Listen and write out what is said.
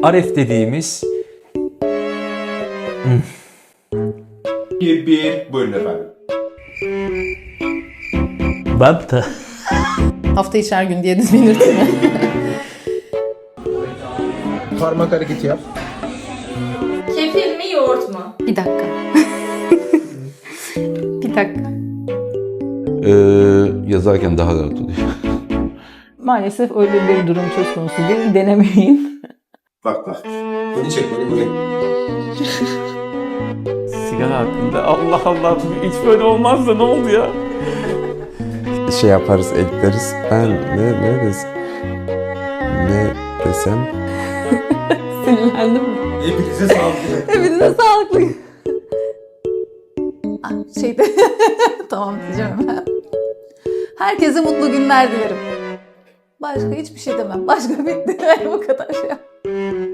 Aref dediğimiz... Bir. Buyurun efendim. Babta. Hafta içi her gün diye belirtti mi? Parmak hareketi yap. Kefir mi yoğurt mu? Bir dakika. Bir dakika. Yazarken daha rahat oluyor. Maalesef öyle bir durum söz konusu değil. Denemeyin. Bak. Bunu çek, bunu. Sigara hakkında Allah Allah hiç böyle olmaz da ne oldu ya? Şey yaparız, ekleriz. Ben ne desem? Sinirlendim mi? Hepinize sağlık. Hepinize sağlıklı. Şeyde tamam diyeceğim hemen. Herkese mutlu günler dilerim. Başka hiçbir şey demem. Başka bitti. Bu kadar şey.